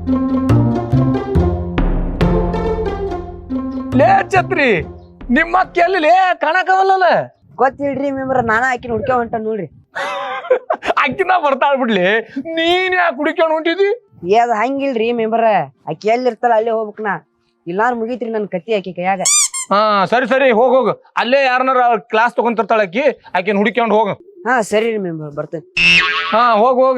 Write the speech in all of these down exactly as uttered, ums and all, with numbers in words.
ಲೇ ಛತ್ರಿ ನಿಮ್ಮ ಅಕ್ಕ ಎಲ್ಲಿ ಕಾಣಕವಲ್ಲ ಗೊತ್ತಿಲ್ರಿ ಮೆಂಬರ್ ನಾನ ಆಕಿನ ಹುಡ್ಕ ಹೊಂಟ ನೋಡ್ರಿ. ಅಕ್ಕಿನ ಬರ್ತಾಳ ಬಿಡ್ಲಿ, ನೀನ್ ಯಾಕೆ ಹುಡುಕ್ಯಾಣ ಹೊಂಟಿದಿ? ಏ ಅದ್ ಹಂಗಿಲ್ರಿ ಮೆಂಬರ್, ಆಕಿ ಎಲ್ಲಿ ಇರ್ತಾಳ ಅಲ್ಲೇ ಹೋಗ್ಬೇಕ್ ನಾ, ಇಲ್ಲಾರ ಮುಗೀತ್ರಿ ನನ್ ಕತ್ತಿ ಆಕಿ ಕೈಯಾಗ. ಹಾ ಸರಿ ಸರಿ ಹೋಗ್ ಹೋಗ, ಅಲ್ಲೇ ಯಾರನಾರ ಕ್ಲಾಸ್ ತಗೊಂತಿರ್ತಾಳ ಆಕಿ, ಆಕಿನ ಹುಡುಕ್ಯಾಕೊಂಡು ಹೋಗ. ಹಾ ಸರಿ ರೀ ಮೆಂಬರ್ ಬರ್ತೇನೆ. ಹಾ ಹೋಗ ಹೋಗ.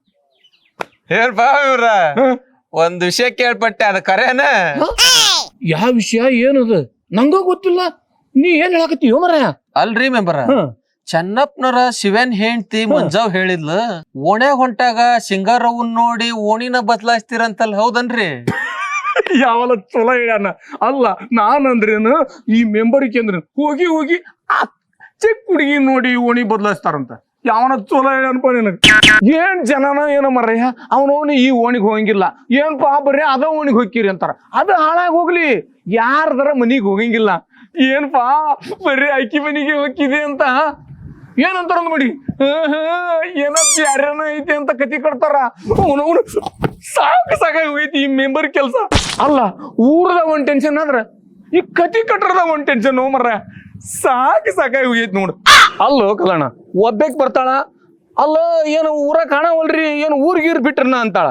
ಹೇಳ್ಬಾ ಇವ್ರ ಒಂದ್ ವಿಷಯ ಕೇಳ್ಪಟ್ಟೆ, ಅದ ಕರೇನ? ಯಾವ ವಿಷಯ ಏನದು ನಂಗ ಗೊತ್ತಿಲ್ಲ, ನೀ ಏನ್ ಹೇಳಕತ್ತೀಯೋ ಮರ? ಅಲ್ರಿ ಮೆಂಬರ, ಚೆನ್ನಪ್ಪನರ ಶಿವನ್ ಹೆಂಡ್ತಿ ಮಂಜಾವ್ ಹೇಳಿದ್ಲು ಓಣೆ ಹೊಂಟಾಗ ಸಿಂಗಾರವನ್ ನೋಡಿ ಓಣಿನ ಬದಲಾಯಿಸ್ತೀರಂತಲ್, ಹೌದನ್ರಿ? ಯಾವಲ್ಲ ಚಲೋ ಹೇಳ್ಯಾನ. ಅಲ್ಲ ನಾನಂದ್ರೇನು ಈ ಮೆಂಬರ್ಗೆ ಅಂದ್ರ ಹೋಗಿ ಹೋಗಿ ಆ ಚಿಕ್ಕ ಹುಡುಗಿ ನೋಡಿ ಓಣಿ ಬದಲಾಯಿಸ್ತಾರಂತ. ಯಾವನ ಚಲೋ ಹೇಳ್ಯಾನಪ್ಪ ನಿನಗ. ಏನ್ ಜನನ ಏನೋ ಮರ್ಯ, ಅವನವನು ಈ ಓಣಿಗೆ ಹೋಗಂಗಿಲ್ಲ, ಏನ್ಪಾ ಬರ್ರಿ ಅದ ಓಣಿಗೆ ಹೋಗಿರಿ ಅಂತಾರ. ಅದು ಹಾಳಾಗಿ ಹೋಗ್ಲಿ, ಯಾರದರ ಮನಿಗ್ ಹೋಗಂಗಿಲ್ಲ. ಏನ್ಪಾ ಬರ್ರಿ ಅಕ್ಕಿ ಮನಿಗೆ ಹೋಗಿದೆ ಅಂತ ಏನಂತಾರ ನೋಡಿ, ಏನೋ ಯಾರ್ಯಾನ ಐತಿ ಅಂತ ಕತಿ ಕಟ್ತಾರ. ಅವನವನು ಸಾಕು ಸಾಕಾಗಿ ಹೋಯ್ತಿ ಈ ಮೆಂಬರ್ ಕೆಲ್ಸ. ಅಲ್ಲ ಊರದ ಒಂದ್ ಟೆನ್ಷನ್ ಆದ್ರ ಈ ಕತಿ ಕಟ್ಟರದ ಒಂದ್ ಟೆನ್ಷನ್ ಮರ, ಸಾಕು ಸಾಕಾಗಿ ಹೋಗೈತಿ ನೋಡು. ಅಲ್ಲೋ ಕಲಣ ಒಬ್ಬಕ್ ಬರ್ತಾಳ, ಅಲ್ಲ ಏನು ಊರ ಕಾಣವಲ್ರಿ, ಏನು ಊರ್ಗೀರ್ ಬಿಟ್ರನ ಅಂತಾಳ.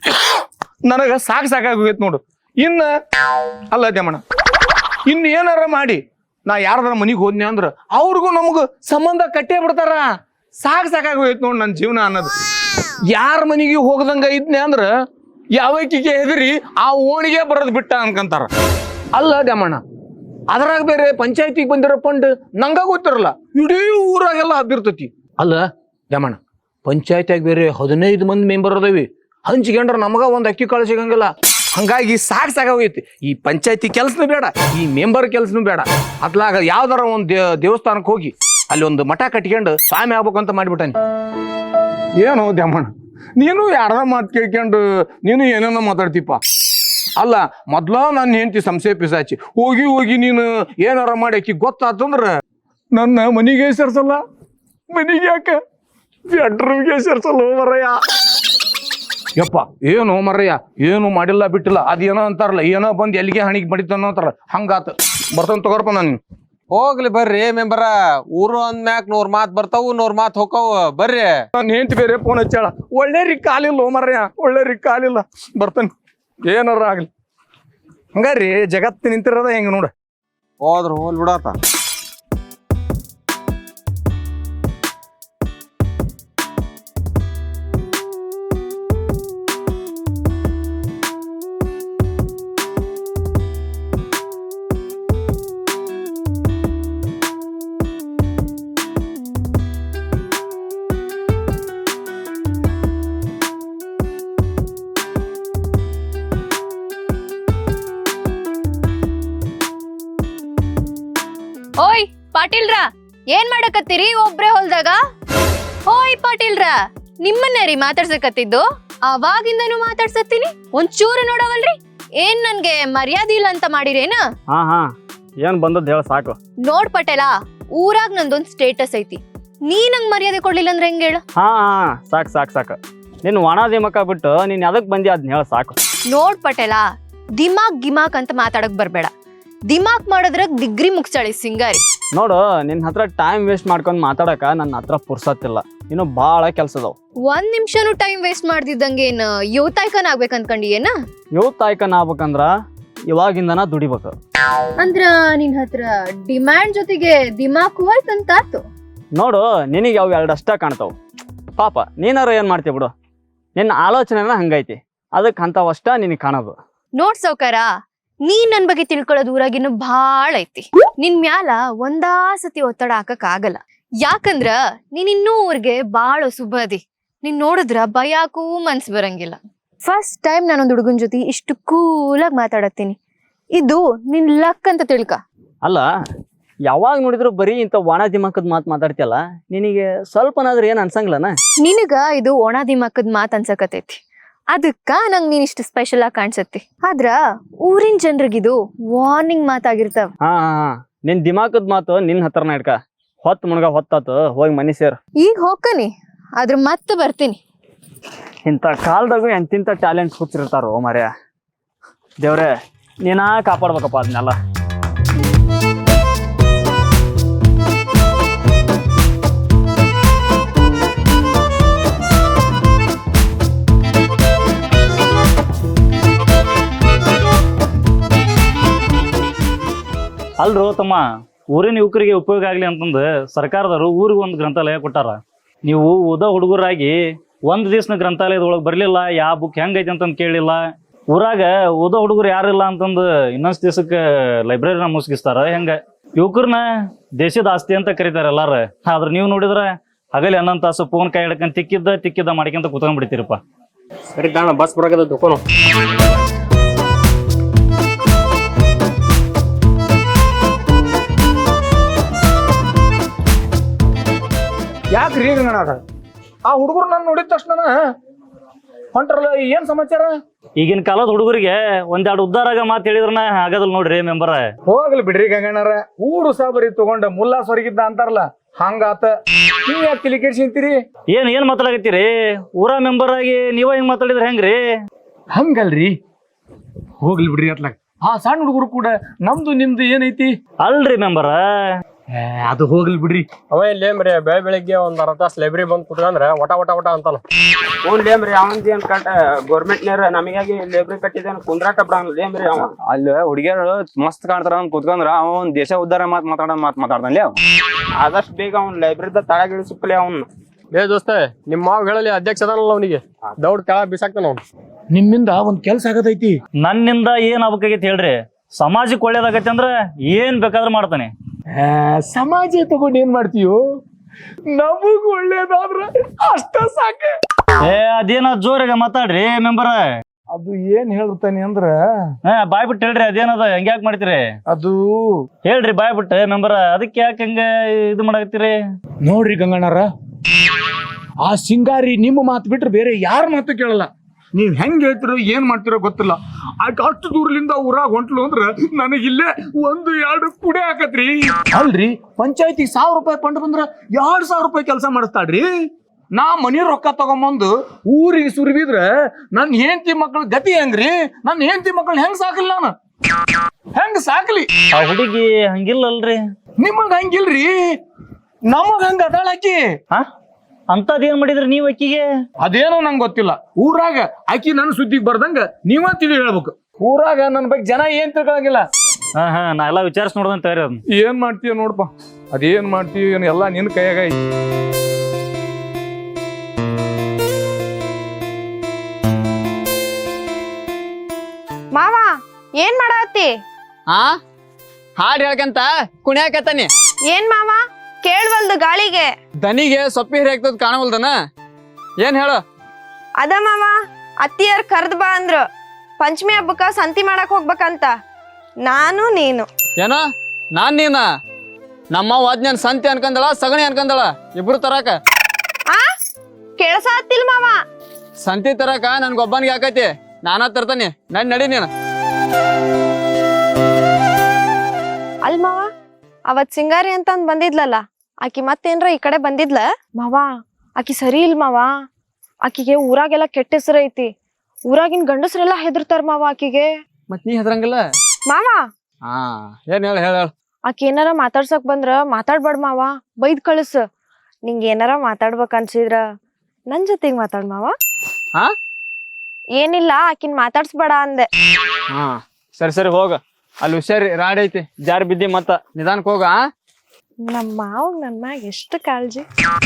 ನನಗ ಸಾಕು ಸಾಕಾಗಿ ಹೋಗೈತಿ ನೋಡು. ಇನ್ನ ಅಲ್ಲ ದೇಮಣ್ಣ, ಇನ್ ಏನಾರ ಮಾಡಿ ನಾ ಯಾರದಾರ ಮನಿಗ್ ಹೋದ್ನಿ ಅಂದ್ರ ಅವ್ರಿಗೂ ನಮಗ ಸಂಬಂಧ ಕಟ್ಟೇ ಬಿಡ್ತಾರ. ಸಾಕು ಸಾಕಾಗಿ ಹೋಯ್ತು ನೋಡ್ ನನ್ ಜೀವನ ಅನ್ನೋದು. ಯಾರ ಮನಿಗೆ ಹೋಗದಂಗ ಇದ್ನಿ ಅಂದ್ರ ಯಾವಕ್ಕಿಗೆ ಹೆದರಿ ಆ ಓಣಿಗೆ ಬರೋದ್ ಬಿಟ್ಟ ಅನ್ಕಂತಾರ. ಅಲ್ಲ ದ್ಯಾಮಣ್ಣ, ಅದ್ರಾಗ ಬೇರೆ ಪಂಚಾಯತಿಗೆ ಬಂದಿರೋ ಫಂಡ್ ನಂಗ ಗೊತ್ತಿರಲ್ಲ, ಇಡೀ ಊರಾಗೆಲ್ಲ ಹಬ್ಬಿರ್ತತಿ. ಅಲ್ಲ ದ್ಯಾಮಣ್ಣ, ಪಂಚಾಯತಿಯಾಗ ಬೇರೆ ಹದಿನೈದು ಮಂದಿ ಮೆಂಬರ್ ಅದಾವಿ, ಹಂಚ್ಕೊಂಡ್ರ ನಮಗ ಒಂದ್ ಅಕ್ಕಿ ಕಾಳು ಸಿಗಂಗಿಲ್ಲ. ಹಂಗಾಗಿ ಸಾಕು ಸಾಕಾಗೈತಿ. ಈ ಪಂಚಾಯತಿ ಕೆಲ್ಸನೂ ಬೇಡ, ಈ ಮೆಂಬರ್ ಕೆಲ್ಸನೂ ಬೇಡ. ಅತ್ಲಾಗ ಯಾವ್ದಾರ ಒಂದ್ ದೇವಸ್ಥಾನಕ್ಕೆ ಹೋಗಿ ಅಲ್ಲಿ ಒಂದು ಮಠ ಕಟ್ಕೊಂಡು ಸ್ವಾಮಿ ಆಗ್ಬೇಕಂತ ಮಾಡಿಬಿಟ್ಟಾನಿ. ಏನು ದ್ಯಾಮಣ್ಣ, ನೀನು ಯಾರ ಮಾತು ಕೇಳ್ಕೊಂಡು ನೀನು ಏನೇನೋ ಮಾತಾಡ್ತೀಪ. ಅಲ್ಲ ಮೊದ್ಲ ನನ್ನ ಹೆಂಡತಿ ಸಂಶಯ ಪಿಸಾಚಿ, ಹೋಗಿ ಹೋಗಿ ನೀನು ಏನಾರ ಮಾಡಿ ಆಕಿ ಗೊತ್ತಾತಂದ್ರ ನನ್ನ ಮನಿಗೆ ಸೇರ್ಸಲ್ಲ. ಮನಿಗೆ ಯಾಕ ಬೆಡ್ರೂಮ್ಗೆ ಸೇರ್ಸಲ್ಲ ಮರಯ್ಯ. ಯಪ್ಪ ಏನು ಮರಯ್ಯ, ಏನು ಮಾಡಿಲ್ಲ ಬಿಟ್ಟಿಲ್ಲ, ಅದೇನೋ ಅಂತಾರಲ್ಲ, ಏನೋ ಬಂದ್ ಎಲ್ಲಿಗೆ ಹಣಿಗೆ ಬಡಿತಾನೋ ಅಂತಾರ, ಹಂಗಾತ. ಬರ್ತಾನ ತಗೋರ್ಪ ನಾನು. ಹೋಗ್ಲಿ ಬರ್ರಿ ಮೆಂಬರ, ಊರು ಅಂದ್ಮ್ಯಾಕ್ ನೂರ್ ಮಾತ್ ಬರ್ತಾವು ನೂರ್ ಮಾತ್ ಹೋಗವು, ಬರ್ರಿ. ನಾನು ಹೆಂಡತಿ ಬೇರೆ ಫೋನ್ ಹಚ್ಚಾಳ, ಒಳ್ಳೆ ರೀ ಕಾಲಿಲ್ಲ ಮರಯ್ಯ, ಒಳ್ಳೆ ರೀ ಕಾಲಿಲ್ಲ. ಬರ್ತಾನೆ ಏನಾರ ಆಗ್ಲಿ. ಹಂಗಾರಿ ಜಗತ್ತು ನಿಂತಿರೋದ ಹೆಂಗ ನೋಡ. ಹೋದ್ರ ಹೋಲ್ ಬಿಡಾತ. ಓಯ್ ಪಾಟೀಲ್ರ, ಏನ್ ಮಾಡಕತ್ತೀರಿ ಒಬ್ರೇ ಹೊಲ್ದಾಗ? ಓಯ್ ಪಾಟೀಲ್ರ, ನಿಮ್ಮನ್ನ ರೀ ಮಾತಾಡ್ಸಕತ್ತಿದ್ದು, ಅವಾಗಿಂದನು ಮಾತಾಡ್ಸತ್ತೀನಿ, ಒಂಚೂರು ನೋಡವಲ್ರಿ. ಏನ್ ನನ್ಗೆ ಮರ್ಯಾದೆ ಇಲ್ಲ ಅಂತ ಮಾಡಿರೇನ? ಹಾ ಹಾ ಏನ್ ಬಂದದ್ ಹೇಳ ಸಾಕು. ನೋಡ್ ಪಟೇಲ, ಊರಾಗ ನಂದೊಂದ್ ಸ್ಟೇಟಸ್ ಐತಿ, ನೀ ನಂಗ್ ಮರ್ಯಾದೆ ಕೊಡ್ಲಿಲ್ಲ ಅಂದ್ರೆ ಹೆಂಗ ಹೇಳ? ಹಾ ಹಾ ಸಾಕ್ ಸಾಕ್ ಸಾಕ್ ನಿನ್ ಒಣ ದಿಮಕ ಬಿಟ್ಟು ನೀನ್ ಅದಕ್ ಬಂದಿ ಅದ್ನ ಹೇಳ ಸಾಕು. ನೋಡ್ ಪಟೇಲ, ದಿಮಾಕ್ ಗಿಮಾಕ್ ಅಂತ ಮಾತಾಡಕ್ ಬರ್ಬೇಡ. ದಿಮಾಕ್ ಮಾಡೋದ್ರಾಗ ಡಿಗ್ರಿ ಮುಗ್ಸಾಳಿ ಸಿಂಗಾರಿ. ನೋಡು, ನಿನ್ ಹತ್ರ ಟೈಮ್ ವೇಸ್ಟ್ ಮಾಡ್ಕೊಂಡ್ ಮಾತಾಡಕ ನನ್ನ ಹತ್ರ ಪುರ್ಸತ್ತಿಲ್ಲ, ಇನ್ನು ಬಾಳ ಕೆಲ್ಸದವ್. ಒಂದ್ ನಿಮಿಷನು ಟೈಮ್ ವೇಸ್ಟ್ ಮಾಡ್ದಿದ್ದಂಗೆ ಏನ್ ಯುವತಾಯ್ಕನ್ ಆಗ್ಬೇಕ್ ಅನ್ಕೊಂಡಿ ಏನ? ಯುವತ್ ಆಯ್ಕನ್ ಆಗ್ಬೇಕಂದ್ರ ಇವಾಗಿಂದನ ದುಡಿಬೇಕು. ಅಂದ್ರ ನಿನ್ ಹತ್ರ ಡಿಮ್ಯಾಂಡ್ ಜೊತೆಗೆ ದಿಮಾಕು ಆಯ್ತಂತ ಆತು. ನೋಡು, ನಿನಗೆ ಅವ್ ಎರಡಷ್ಟ ಕಾಣ್ತಾವ್. ಪಾಪ ನೀನಾರ ಏನ್ ಮಾಡ್ತೀವಿ ಬಿಡು, ನಿನ್ನ ಆಲೋಚನೆನ ಹಂಗೈತಿ, ಅದಕ್ಕೆ ಅಂತವಷ್ಟ ನಿನಗೆ ಕಾಣೋದು. ನೋಡ್ ಸೌಕಾರ, ನೀ ನನ್ ಬಗ್ಗೆ ತಿಳ್ಕೊಳ್ಳೋದು ಊರಾಗಿನ್ನು ಭಾಳ ಐತಿ. ನಿನ್ ಮ್ಯಾಲ ಒಂದಾ ಸತಿ ಒತ್ತಡ ಹಾಕಕ್ ಆಗಲ್ಲ. ಯಾಕಂದ್ರ ನೀನ್ ಇನ್ನೂ ಊರ್ಗೆ ಬಾಳ ಸುಬದಿ. ನೀನ್ ನೋಡಿದ್ರ ಭಯಾಕೂ ಮನ್ಸ್ ಬರಂಗಿಲ್ಲ. ಫಸ್ಟ್ ಟೈಮ್ ನಾನೊಂದ್ ಹುಡುಗನ್ ಜೊತೆ ಇಷ್ಟು ಕೂಲಾಗಿ ಮಾತಾಡತ್ತೀನಿ. ಇದು ನಿನ್ ಲಕ್ ಅಂತ ತಿಳ್ಕ. ಅಲ್ಲ, ಯಾವಾಗ ನೋಡಿದ್ರು ಬರೀ ಇಂಥ ಒಣ ದಿಮಾಕದ್ ಮಾತು ಮಾತಾಡ್ತಿಯಲ್ಲ, ನಿನಗೆ ಸ್ವಲ್ಪನಾದ್ರೂ ಏನ್ ಅನ್ಸಂಗಿಲ್ಲನ? ನಿನಗ ಇದು ಒಣ ದಿಮಾಕದ್ ಮಾತ್ ಅನ್ಸಕತೈತಿ, ಅದಕ್ಕ ನಂಗ್ ನೀನ್ ಇಷ್ಟು ಸ್ಪೆಷಲ್ ಆಗಿ ಕಾಣ್ಸತ್ತಿ. ಆದ್ರ ಊರಿನ ಜನರಿಗಿದು ವಾರ್ನಿಂಗ್ ಮಾತಾಗಿರ್ತಾವ. ಹಾ ಹಾ ನಿನ್ ದಿಮಾಕದ್ ಮಾತು ನಿನ್ ಹತ್ರನ ಇಡ್ಕ. ಹೊತ್ ಮುಣಗ ಹೊತ್ತಾತು, ಹೋಗಿ ಮನಿ ಸೇರ್. ಈಗ ಹೋಗ್ಕನಿ, ಆದ್ರ ಮತ್ತೆ ಬರ್ತೀನಿ. ಇಂಥ ಕಾಲದಾಗೂ ಎಂತಿಂಥ ಟ್ಯಾಲೆಂಟ್ಸ್ ಹುಚ್ಚಿರ್ತಾರೋ ಮರ್ಯ. ದೇವ್ರೆ ನೀನಾ ಕಾಪಾಡ್ಬೇಕಪ್ಪ ಅದನ್ನೆಲ್ಲ. ಅಲ್ರೋ ತಮ್ಮ, ಊರಿನ ಯುವಕರಿಗೆ ಉಪಯೋಗ ಆಗ್ಲಿ ಅಂತಂದು ಸರ್ಕಾರದವರು ಊರಿಗೆ ಒಂದು ಗ್ರಂಥಾಲಯ ಕೊಟ್ಟಾರ. ನೀವು ಓದ ಹುಡುಗರಾಗಿ ಒಂದ್ ದಿವ್ಸನ ಗ್ರಂಥಾಲಯದೊಳಗೆ ಬರ್ಲಿಲ್ಲ, ಯಾವ ಬುಕ್ ಹೆಂಗೈತಿ ಅಂತಂದು ಕೇಳಿಲ್ಲ. ಊರಾಗ ಓದೋ ಹುಡುಗರು ಯಾರಿಲ್ಲ ಅಂತಂದು ಇನ್ನೊಂದ್ ದಿವ್ಸಕ್ಕೆ ಲೈಬ್ರರಿನ ಮುಸ್ಗಿಸ್ತಾರ. ಹೆಂಗ ಯುವಕರನ್ನ ದೇಶದ ಆಸ್ತಿ ಅಂತ ಕರೀತಾರ ಎಲ್ಲಾರ. ಆದ್ರ ನೀವು ನೋಡಿದ್ರ ಹಗಲಿ ಹನ್ನೊಂದು ತಾಸು ಫೋನ್ ಕೈ ಹಿಡ್ಕೊಂಡ್ ತಿಕ್ಕಿದ್ದ ತಿಕ್ಕಿದ್ದ ಮಾಡ್ಕೊಂತ ಕುತ್ಕೊಂಡ್ ಬಿಡ್ತೀರಪ್ಪ. ಸರಿ ತಾಣ ಬಸ್ ಬರಕದ ದುಕೋನು. ಯಾಕ್ರಿ ಗಂಗಣ್ಣ ಆ ಹುಡುಗರು ನಾನು ನೋಡಿದ ತಕ್ಷಣ ಹೊಂಟ್ರಲ್ಲ, ಏನ್ ಸಮಾಚಾರ? ಈಗಿನ ಕಾಲದ ಹುಡುಗರಿಗೆ ಒಂದೆರಡು ಉದ್ದಾರಾಗ ಮಾತು ಹೇಳಿದ್ರನ ಆಗದಲ್ ನೋಡ್ರಿ ಮೆಂಬರ. ಹೋಗ್ಲಿ ಬಿಡ್ರಿ ಗಂಗಣ್ಣರ, ಊರು ಸಾಬರಿ ತಗೊಂಡ ಮುಲ್ಲಾ ಸ್ವರ್ಗಿದ್ದ ಅಂತಾರಲ್ಲ ಹಂಗಾತ. ನೀವ್ ಯಾಕೆ ತಲೆ ಕೆಡ್ಸಿಂತೀರಿ? ಏನ್ ಏನ್ ಮಾತಾಡಕತ್ತೀರಿ? ಊರ ಮೆಂಬರ್ ಆಗಿ ನೀವ ಹಿಂಗ್ ಮಾತಾಡಿದ್ರ ಹೆಂಗ್ರಿ? ಹಂಗಲ್ರಿ, ಹೋಗ್ಲಿ ಬಿಡ್ರಿ ಅತ್ಲಾಗ. ಆ ಸಣ್ಣ ಹುಡುಗರು ಕೂಡ ನಮ್ದು ನಿಮ್ದು ಏನೈತಿ ಅಲ್ರಿ ಮೆಂಬರ. ಅದು ಹೋಗ್ಲಿ ಬಿಡ್ರಿ. ಅವ ಇಲ್ಲೇಮ್ರಿ ಬೆಳೆ ಬೆಳಿಗ್ಗೆ ಒಂದ್ ಅರ್ಧ ತಾಸ್ ಲೈಬ್ರರಿ ಬಂದ್ ಕುತ್ಕಂದ್ರ ಒಟ ಒಟ ಒಟ ಅಂತಾನ. ಲೇಮ್ರಿ ಅವಂದ್ ಏನ್ ಕಟ್ಟ ಗೌರ್ಮೆಂಟ್ ನೇರ ನಮಗಾಗಿ ಲೇಬ್ರಿ ಕಟ್ಟಿದ್ದೇನೆ ಕುಂದ್ರಾಟ ಬಿಡಂಗ್ಲೇಮ್ರಿ ಅವ. ಅಲ್ಲಿ ಹುಡುಗಿಯರು ಮಸ್ತ್ ಕಾಣ್ತಾರ ಅಂತ ಕುತ್ಕೊಂಡ್ರ ಅವ ಒಂದ್ ದೇಶ ಉದ್ದಾರ ಮಾತ್ ಮಾತಾಡ ಮಾತ್ ಮಾತಾಡ್ದಲ್ಲಿ ಅವ. ಆದಷ್ಟು ಬೇಗ ಅವ್ನ ಲೈಬ್ರರಿದ ತಳಗಿಳಿಸಿಪ್ಪಲೆ ಅವ್ನ. ಏ ದೋಸ್ತ ನಿಮ್ಮ ಮಾವ್ ಹೇಳಲಿ ಅಧ್ಯಕ್ಷ ಅದಾನಲ್ಲ ಅವನಿಗೆ ದೌಡ್ ಕೆಳ ಬಿಸಾಕ್ತಾನ ಅವ್ನು. ನಿಮ್ಮಿಂದ ಒಂದ್ ಕೆಲ್ಸ ಆಗತೈತಿ. ನನ್ನಿಂದ ಏನ್ ಆಗ್ಬೇಕಾಗೈತಿ ಹೇಳ್ರಿ? ಸಮಾಜಕ್ಕೆ ಒಳ್ಳೇದಾಗೈತಿ ಅಂದ್ರ ಏನ್ ಬೇಕಾದ್ರೂ ಮಾಡ್ತಾನೆ. ಸಮಾಜ ತಗೊಂಡ್ ಏನ್ ಮಾಡ್ತೀಯೋ? ನಮಗ್ ಒಳ್ಳೇದಾದ್ರ ಅಷ್ಟ ಸಾಕ. ಏ ಅದೇನ ಜೋರಾಗ ಮಾತಾಡ್ರಿ ಮೆಂಬರ. ಅದು ಏನ್ ಹೇಳ್ತಾನೆ ಅಂದ್ರ ಹಾ ಬಾಯ್ ಬಿಟ್ಟು ಹೇಳ್ರಿ ಅದೇನದ ಹೆಂಗ್ಯಾಕ್ ಮಾಡ್ತೀರಿ? ಅದು ಹೇಳ್ರಿ ಬಾಯ್ ಬಿಟ್ಟು ಮೆಂಬರ. ಅದಕ್ಕೆ ಯಾಕೆ ಹಂಗ ಇದು ಮಾಡಕತ್ತೀರಿ? ನೋಡ್ರಿ ಗಂಗಣ್ಣರ, ಆ ಸಿಂಗಾರಿ ನಿಮ್ಮ ಮಾತು ಬಿಟ್ರೆ ಬೇರೆ ಯಾರ ಮಾತು ಕೇಳಲ್ಲ. ನೀವ್ ಹೆಂಗ್ ಹೇಳ್ತಿರೋ ಏನ್ ಮಾಡ್ತಿರೋ ಗೊತ್ತಿಲ್ಲ. ಆಕೆ ಅಷ್ಟು ದೂರಲಿಂದ ಊರಾಗ ಹೊಂಟ್ಲು ಅಂದ್ರ ನನಗಿಲ್ಲೇ ಒಂದು ಎರಡು ಕುಡೆ ಹಾಕತ್ರಿ. ಅಲ್ರಿ, ಪಂಚಾಯತಿ ಸಾವಿರ ರೂಪಾಯಿ ಫಂಡ್ ಬಂದ್ರ ಎರಡ್ ಸಾವಿರ ರೂಪಾಯಿ ಕೆಲಸ ಮಾಡಿಸ್ತಾಳ್ರಿ. ನಾ ಮನಿ ರೊಕ್ಕ ತಗೊಂಬಂದು ಊರಿಗೆ ಸುರಿಬಿದ್ರ ನನ್ ಹೆಂಡತಿ ಮಕ್ಳ ಗತಿ ಹೆಂಗ್ರಿ? ನನ್ ಹೆಂಡತಿ ಮಕ್ಳನ್ನ ಹೆಂಗ್ ಸಾಕಲಿ ನಾನು? ಹೆಂಗ್ ಸಾಕ್ಲಿ? ಆ ಹುಡುಗಿ ಹಂಗಿಲ್ಲಲ್ರಿ. ನಿಮಗ್ ಹಂಗಿಲ್ರಿ, ನಮಗ್ ಹಂಗ ಅದಾಳಾಕಿ. ಹಾ ಅಂತದೇನ್ ಮಾಡಿದ್ರಿ ನೀವ್ ಅಕ್ಕಿಗೆ? ಅದೇನೋ ನಂಗೆ ಗೊತ್ತಿಲ್ಲ. ಊರಾಗ ಆಕಿ ನನ್ನ ಸುದ್ದಿಗೆ ಬರ್ದಂಗ ನೀವ ತಿಳಿ ಹೇಳ್ಬೇಕು. ಊರಾಗ ನನ್ ಬಗ್ಗೆ ಜನ ಏನ್ ತಿಳ್ಕೊಳಂಗಿಲ್ಲ. ಹಾ ಹಾ ನಾ ಎಲ್ಲಾ ವಿಚಾರಿಸಿ ನೋಡ್ದಂತ ತಯಾರಿ ಅದನ್ನ. ಏನ್ ಮಾಡ್ತೀಯ ನೋಡಪ್ಪ, ಅದೇನ್ ಮಾಡ್ತೀವಿ ಏನ್ ಎಲ್ಲಾ ನಿನ್ ಕೈಯಾಗ ಐತಿ. ಮಾವ ಏನ್ ಮಾಡತ್ತಿ? ಹಾ ಹಾಡ್ ಹೇಳ್ಕಂತ ಕುಣಿಯಾಕತ್ತಾನಿ. ಏನ್ ಮಾವ ಕೇಳ್ವಲ್ದು ಗಾಳಿಗೆ? ದನಿಗೆ ಸೊಪ್ಪಿ ಹಿರಿಯಾಗ್ತದ ಕಾಣವಲ್ದನ. ಏನ್ ಹೇಳು? ಅದ ಮಾವ, ಅತ್ತಿಯರ್ ಕರ್ದ್ ಬಾ ಅಂದ್ರು ಪಂಚಮಿ ಹಬ್ಬಕ್ಕ ಸಂತಿ ಮಾಡಕ್ ಹೋಗ್ಬೇಕಂತ. ನಾನು ನೀನು. ಏನೋ ನಾನ್ ನೀನ? ನಮ್ಮ ವಾದ್ಯನ್ ಸಂತಿ ಅನ್ಕಂದಳ ಸಗಣಿ ಅನ್ಕಂದಳ ಇಬ್ರು ತರಾಕ. ಆ ಕೇಳಸಾತಿಲ್ ಮಾವ. ಸಂತಿ ತರಾಕ ನನ್ಗೊಬ್ಬನಿಗೆ ಹಾಕೈತಿ, ನಾನಾ ತರ್ತಾನಿ. ನನ್ ನಡಿ ನೀನು. ಅಲ್ ಮಾವ, ಅವತ್ ಸಿಂಗಾರಿ ಅಂತ ಅಂದ್ ಬಂದಿದ್ಲಲ್ಲ, ಆಕಿ ಮತ್ತೇನ್ರ ಈ ಕಡೆ ಬಂದಿದ್ಲ? ಮಾವ ಆಕಿ ಸರಿ ಇಲ್ ಮಾವ. ಆಕಿಗೆ ಊರಾಗೆಲ್ಲ ಕೆಟ್ಟ ಹೆಸರು ಐತಿ. ಊರಾಗಿನ್ ಗಂಡಸ್ರೆಲ್ಲ ಹೆದರ್ತಾರ ಮಾವ ಆಕಿಗೆ. ಮತ್ ನೀ ಹೆದ್ರಂಗಿಲ್ಲ ಮಾವ. ಹಾ ಏನ್ ಹೇಳ ಹೇಳ ಹೇಳ. ಆಕಿ ಏನಾರ ಮಾತಾಡ್ಸಕ್ ಬಂದ್ರ ಮಾತಾಡ್ಬೇಡ ಮಾವ, ಬೈದ್ ಕಳಿಸ್. ನಿಂಗ ಏನಾರ ಮಾತಾಡ್ಬೇಕ ಅನ್ಸಿದ್ರ ನನ್ ಜೊತೆಗ್ ಮಾತಾಡ್ ಮಾವ. ಹಾ ಏನಿಲ್ಲ, ಆಕಿನ್ ಮಾತಾಡ್ಸ್ಬೇಡ ಅಂದೆ. ಹಾ ಸರಿ ಸರಿ ಹೋಗ. ಅಲ್ಲಿ ಹುಷಾರಿ, ರಾಡ್ ಐತಿ, ಜಾರ್ ಬಿದ್ದಿ ಮತ್ತ ನಿಧಾನಕ್ ಹೋಗ. ನಮ್ಮ ಮಾವ್ ನನ್ ಮ್ಯಾಗ ಎಷ್ಟು ಕಾಳಜಿ.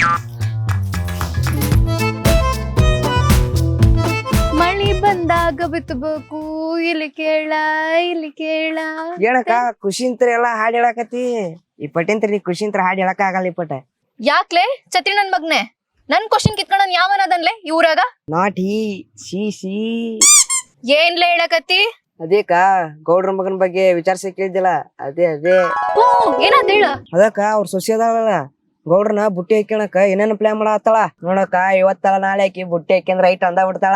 ಮಳಿ ಬಂದಾಗ ಬಿತ್ತಬೇಕು, ಇಲ್ಲಿ ಕೇಳ ಇಲ್ಲಿ ಕೇಳ. ಏನಕ್ಕ ಖುಷಿಂತ್ರ ಎಲ್ಲಾ ಹಾಡ್ ಹೇಳಾಕತಿ? ಈ ಪಟ್ಟಿಂತ್ರ ನೀ ಖುಷಿಂತ್ರ ಹಾಡ್ ಹೇಳಕ ಆಗಲ್ಲ. ಈ ಪಟ ಯಾಕ್ಲೆ ಛತ್ರಿ ನನ್ ಮಗ್ನೆ? ನನ್ ಕ್ವಶನ್ ಕಿತ್ಕೊಂಡ್ ಯಾವನದನ್ಲೆ ಈ ಊರಾಗ? ನಾಟ್ ಹಿ ಸಿ ಸಿ. ಏನ್ಲೆ ಹೇಳಕತ್ತಿ? ಅದೇಕ ಗೌಡ್ರ ಮಗನ ಬಗ್ಗೆ ವಿಚಾರಿಸಿ ಕೇಳಿದ್ದಿಲ್ಲ, ಅದೇ ಅದೇ ಹ್ಞೂ ಏನಂತ ಹೇಳ? ಅದಕ್ಕ ಅವ್ರ ಸೊಸೆ ಅದಾಳಲ್ಲ ಗೌಡ್ರನ ಬುಟ್ಟಿ ಹಾಕ್ಯಣಕ ಏನೇನು ಪ್ಲಾನ್ ಮಾಡತ್ತಾಳ ನೋಡಕ್ಕ. ಇವತ್ತಲ್ಲ ನಾಳೆ ಆಕಿ ಬುಟ್ಟಿ ಹಾಕ್ಯಂದ್ರ ಐಟ್ ಅಂದ ಬಿಡ್ತಾಳ.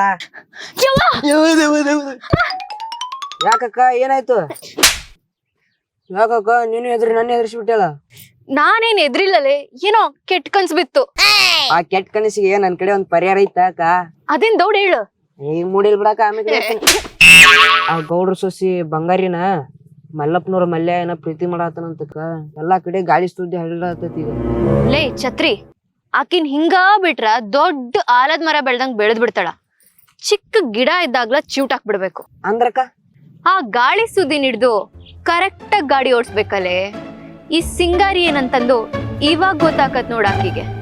ಯಾಕಕ್ಕ ಏನಾಯ್ತು? ಯಾಕಕ್ಕ ನೀನು ಎದ್ರಿ ನನ್ನ ಎದುರಿಸ್ಬಿಟ್ಟಲ್ಲ? ನಾನೇನ್ ಎದ್ರಿಲ್ಲಲೆ ಏನೋ ಕೆಟ್ಟ ಕನ್ಸ್ ಬಿತ್ತು. ಆ ಕೆಟ್ಟ ಕನಸಿಗೆ ನನ್ ಕಡೆ ಒಂದ್ ಪರಿಹಾರ ಐತ ಅಕ್ಕ. ಅದೇನ್ ದೌಡ್ ಹೇಳು. ಈಗ ಮೂಡಿಲ್ ಬಿಡಾಕ ಆಮೇಲೆ ಹೇಳ್ತೀನಿ. ಆ ಗೌಡ್ರ ಸೊಸಿ ಬಂಗಾರಿನ ಮಲ್ಲಪ್ಪನವ್ರ ಮಲ್ಯ ಏನ ಪ್ರೀತಿ ಮಾಡಾತನಂತಕ್ಕ ಎಲ್ಲಾ ಕಡೆ ಗಾಳಿ ಸುದ್ದಿ ಹರಡತೈತಿ ಈಗ. ಲೇ ಛತ್ರಿ, ಆಕಿನ್ ಹಿಂಗ ಬಿಟ್ರ ದೊಡ್ಡ ಆಲದ ಮರ ಬೆಳ್ದಂಗ್ ಬೆಳೆದ್ ಬಿಡ್ತಾಳ. ಚಿಕ್ಕ ಗಿಡ ಇದ್ದಾಗ್ಲ ಚಿವುಟಾಕ್ ಬಿಡ್ಬೇಕು. ಅಂದ್ರಕ್ಕ ಆ ಗಾಳಿ ಸುದ್ದಿ ಹಿಡ್ದು ಕರೆಕ್ಟ್ ಆಗಿ ಗಾಡಿ ಓಡಿಸ್ಬೇಕಲ್ಲೇ. ಈ ಸಿಂಗಾರಿ ಏನಂತಂದು ಇವಾಗ ಗೊತ್ತಾಕತ್ ನೋಡ ಆಕಿಗೆ.